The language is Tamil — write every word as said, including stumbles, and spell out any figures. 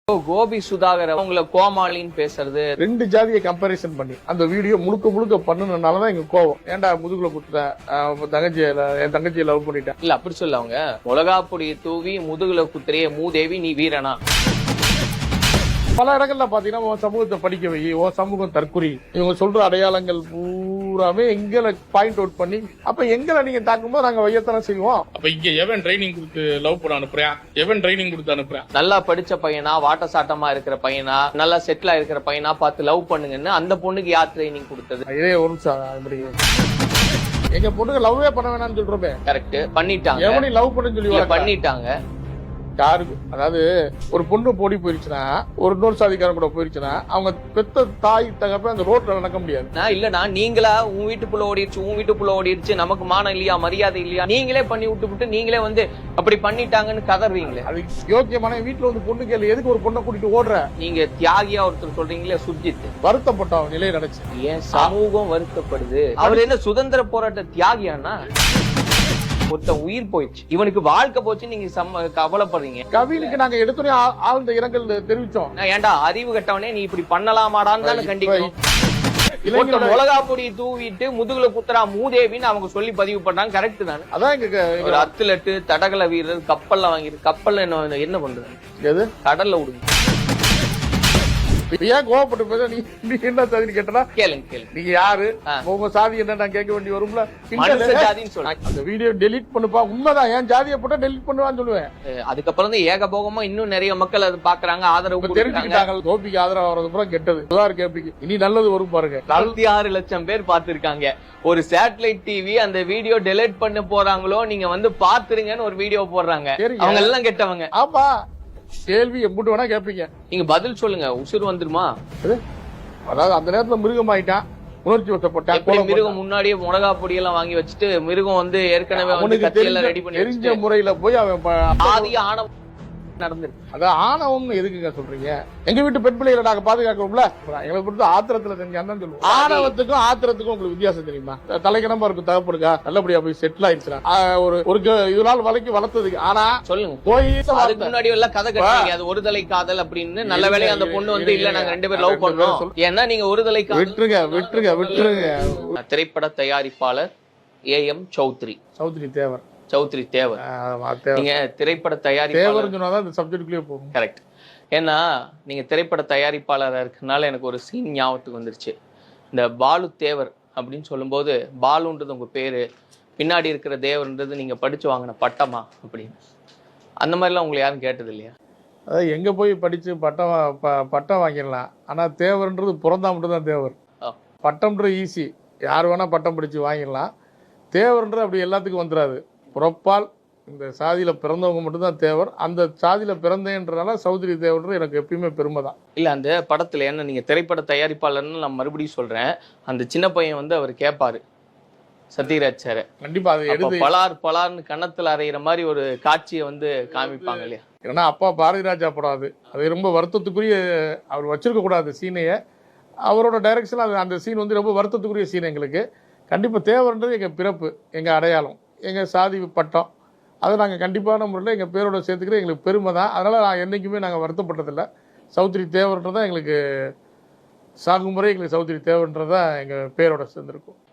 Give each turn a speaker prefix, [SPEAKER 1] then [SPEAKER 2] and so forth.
[SPEAKER 1] கோபி சுதாகர் அவங்கள கோமாளின்னு பேசுறது,
[SPEAKER 2] ரெண்டு ஜாதியை கம்பேரிசன் பண்ணி அந்த வீடியோ முழுக்க முழுக்க பண்ணுனதுனாலதான் எங்க கோவம். ஏன்டா முதுகுல குத்துற தங்கச்சி என் தங்கச்சியை லவ் பண்ணிட்டேன்
[SPEAKER 1] இல்ல அப்படி சொல்ல அவங்க மிளகாப்பொடியை தூவி முதுகுல குத்துறைய மூதேவி நீ வீரனா.
[SPEAKER 2] பல இடங்கள்ல பாத்தீங்கன்னா உன் சமூகத்தை படிக்க வை, உன் சமூகம் தற்குறி, இவங்க சொல்ற அடையாளங்கள் பூராமே எங்களை பாயிண்ட் அவுட் பண்ணி அப்ப எங்களை நீங்க தாக்கும்போது நாங்க வையத்தானே செய்வோம்.
[SPEAKER 3] அப்ப இங்க எவன் ட்ரைனிங் கொடுத்து லவ் பண்ண அனுப்புறேன், எவன் ட்ரைனிங் கொடுத்து அனுப்புறேன்?
[SPEAKER 1] நல்லா படிச்ச பையனா, வாட்ட சாட்டமா இருக்கிற பையனா, நல்லா செட்டில் ஆயிருக்கிற பையனா பார்த்து லவ் பண்ணுங்கன்னு அந்த பொண்ணுக்கு யார் ட்ரைனிங் கொடுத்தது?
[SPEAKER 2] இதே ஒரு நிமிஷம், எங்க பொண்ணுங்க லவ்வே பண்ண வேணாம்னு சொல்றோமே.
[SPEAKER 1] கரெக்ட், பண்ணிட்டாங்க.
[SPEAKER 2] எவனையும் லவ் பண்ணு சொல்லி
[SPEAKER 1] பண்ணிட்டாங்க.
[SPEAKER 2] யாருக்கு அதாவது ஒரு பொண்ணு போடி போயிருச்சுன்னா, ஒரு இன்னொரு சாதிக்காரன் கூட போயிருச்சுன்னா, அவங்க பெத்த தாய் தகப்ப அந்த ரோட்ல நடக்க முடியாது.
[SPEAKER 1] இல்லனா நீங்களா உன் வீட்டுக்குள்ள ஓடிடுச்சு, உன் வீட்டுக்குள்ள ஓடிடுச்சு, நமக்கு மானம் இல்லையா, மரியாதை இல்லையா, நீங்களே பண்ணி விட்டு விட்டு நீங்களே வந்து அப்படி பண்ணிட்டாங்கன்னு கதறீங்களே.
[SPEAKER 2] அது யோக்கியமான வீட்டுல வந்து பொண்ணு கேள்வி, எதுக்கு ஒரு பொண்ணை கூட்டிட்டு ஓடுற?
[SPEAKER 1] நீங்க தியாகியா ஒருத்தர் சொல்றீங்களே சுர்ஜித்,
[SPEAKER 2] வருத்தப்பட்ட நிலை நடச்சு.
[SPEAKER 1] ஏன் சமூகம் வருத்தப்படுது? அவர் என்ன சுதந்திர போராட்ட தியாகியானா? ஒருத்தன் உயிர் போயிடுச்சு, இவனுக்கு வாழ்க்கை போச்சு, நீங்க கவலைப்படுறீங்க.
[SPEAKER 2] கவினுக்கு நாங்க எடுத்துனே ஆழ்ந்த இரங்கல் தெரிவிச்சோம்.
[SPEAKER 1] ஏன்டா அறிவு கட்டவனே நீ இப்படி பண்ணலாமாடான்னு தானே கண்டிப்போம். மிளகாப்பொடியை தூவிட்டு முதுகுல குத்துறா மூதேவின்னு அவங்க சொல்லி பதிவு பண்றாங்க. கரெக்ட் தானே?
[SPEAKER 2] அதான்
[SPEAKER 1] ஒரு அத்லட்டு தடகள வீரர் கப்பல்ல வாங்கிட்டு கப்பல்ல என்ன என்ன பண்றது?
[SPEAKER 2] எது கடல்ல
[SPEAKER 1] விடுங்க.
[SPEAKER 2] ஏன் கோவப்பட்டு பேச? நீ நீங்க என்ன சாதின்னு கேட்டா
[SPEAKER 1] கேளுங்க கேளுங்க.
[SPEAKER 2] நீங்க யாரு, உங்க சாதி என்ன நான் கேட்க வேண்டி வரும்ல.
[SPEAKER 1] ஜாதின்னு சொல்றேன்.
[SPEAKER 2] அந்த வீடியோ டெலிட் பண்ணுப்பா. உண்மைதான், ஏன் ஜாதியை போட்டா டெலிட் பண்ணுவான்னு சொல்லுவேன்.
[SPEAKER 1] அதுக்கப்புறம் தான் ஏகபோகமா இன்னும் நிறைய மக்கள் அது பாக்குறாங்க, ஆதரவு
[SPEAKER 2] தெரிஞ்சுக்கிட்டாங்க. கோபிக்கு ஆதரவு வர்றது பூரா கெட்டது. கேபிக்கு இனி நல்லது வரும் பாருங்க.
[SPEAKER 1] நாற்பத்தி ஆறு லட்சம் பேர் பாத்துருக்காங்க. ஒரு சேட்டலைட் டிவி அந்த வீடியோ டெலிட் பண்ண போறாங்களோ நீங்க வந்து பாத்துருங்கன்னு ஒரு வீடியோ போடுறாங்க. அவங்க எல்லாம் கெட்டவங்க.
[SPEAKER 2] ஆமா, கேள்வி எம்பிட்டு வேணா கேட்பீங்க,
[SPEAKER 1] நீங்க பதில் சொல்லுங்க. உசுறு வந்துருமா?
[SPEAKER 2] அதாவது அந்த நேரத்துல மிருகம் ஆயிட்டான், உணர்ச்சி வசப்பட்டான்.
[SPEAKER 1] மிருகம் முன்னாடியே மிளகா பொடி எல்லாம் வாங்கி வச்சுட்டு மிருகம் வந்து ஏற்கனவே கத்தியெல்லாம் ரெடி பண்ணி
[SPEAKER 2] தெரிஞ்ச முறையில போய் அவன்
[SPEAKER 1] ஆதி ஆணவம் நடந்துருக்கு.
[SPEAKER 2] அதான் ஆணவம் எதுக்குங்க சொல்றீங்க? எங்க வீட்டு பெண் பிள்ளைகளை நாங்க பாதுகாக்கணும்ல. எங்களை பொறுத்து ஆத்திரத்துல செஞ்சான்னு சொல்லுவோம். ஆணவத்துக்கும் ஆத்திரத்துக்கும் உங்களுக்கு வித்தியாசம் தெரியுமா? தலைக்கணமா இருக்கும் தகப்படுக்கா, நல்லபடியா போய் செட்டில் ஆயிடுச்சு. ஒரு ஒரு இது நாள் வலைக்கு வளர்த்ததுக்கு. ஆனா சொல்லுங்க, போய்
[SPEAKER 1] அதுக்கு முன்னாடி எல்லாம் கதை கட்டுறீங்க, அது ஒரு தலை காதல் அப்படின்னு. நல்ல வேலையா அந்த பொண்ணு வந்து இல்ல நாங்க ரெண்டு பேரும் லவ் பண்றோம், ஏன்னா நீங்க ஒரு தலை காதல்.
[SPEAKER 2] விட்டுருங்க விட்டுருங்க விட்டுருங்க.
[SPEAKER 1] திரைப்பட தயாரிப்பாளர் ஏ எம் சௌத்ரி
[SPEAKER 2] சௌத்ரி தேவர்
[SPEAKER 1] சௌத்ரி தேவர். நீங்க திரைப்பட தயாரிப்பாளர்
[SPEAKER 2] போகும்.
[SPEAKER 1] கரெக்ட். ஏன்னா நீங்க திரைப்பட தயாரிப்பாளராக இருக்கனால எனக்கு ஒரு சீன் ஞாபகத்துக்கு வந்துருச்சு. இந்த பாலு தேவர் அப்படின்னு சொல்லும்போது, பாலுன்றது உங்க பேரு, பின்னாடி இருக்கிற தேவர்ன்றது நீங்க படிச்சு வாங்கின பட்டமா அப்படின்னு. அந்த மாதிரிலாம் உங்களை யாரும் கேட்டது இல்லையா?
[SPEAKER 2] அதாவது எங்க போய் படிச்சு பட்டம் பட்டம் வாங்கிடலாம், ஆனா தேவர்ன்றது பிறந்தா மட்டும் தான் தேவர். பட்டம்ன்றது ஈஸி, யார் வேணா பட்டம் படிச்சு வாங்கிடலாம். தேவர்ன்றது அப்படி எல்லாத்துக்கும் வந்துடாது. புறப்பால் இந்த சாதியில பிறந்தவங்க மட்டும்தான் தேவர். அந்த சாதியில பிறந்தேன்றனால சௌத்ரி தேவர்ன்றது எனக்கு எப்பயுமே பெருமை தான்.
[SPEAKER 1] இல்ல அந்த படத்துல என்ன, நீங்க திரைப்பட தயாரிப்பாளர்னு நான் மறுபடியும் சொல்றேன், அந்த சின்ன பையன் வந்து அவர் கேட்பாரு சத்யராஜ் சார்.
[SPEAKER 2] கண்டிப்பா அது எடுத்து
[SPEAKER 1] பலார் பலார்னு கன்னத்துல அறையிற மாதிரி ஒரு காட்சியை வந்து காமிப்பாங்க இல்லையா?
[SPEAKER 2] ஏன்னா அப்பா பாரதி ராஜா படம் அது அது ரொம்ப வருத்தத்துக்குரிய, அவர் வச்சிருக்க கூடாது சீனைய. அவரோட டைரக்ஷன் அது அந்த சீன் வந்து ரொம்ப வருத்தத்துக்குரிய சீன். எங்களுக்கு கண்டிப்பா தேவர்ன்றது எங்க பிறப்பு, எங்க அடையாளம், எங்க சாதி பட்டம். அதை நாங்கள் கண்டிப்பான முறையில் எங்கள் பேரோட சேர்த்துக்கிறது எங்களுக்கு பெருமை தான். அதனால் நான் என்றைக்குமே நாங்கள் வருத்தப்பட்டதில்லை. சௌத்ரி தேவர்ன்றதான் எங்களுக்கு சாகுமுறை, எங்களுக்கு சௌத்ரி தேவர்ன்றதான் எங்கள் பேரோட சேர்ந்துருக்கும்.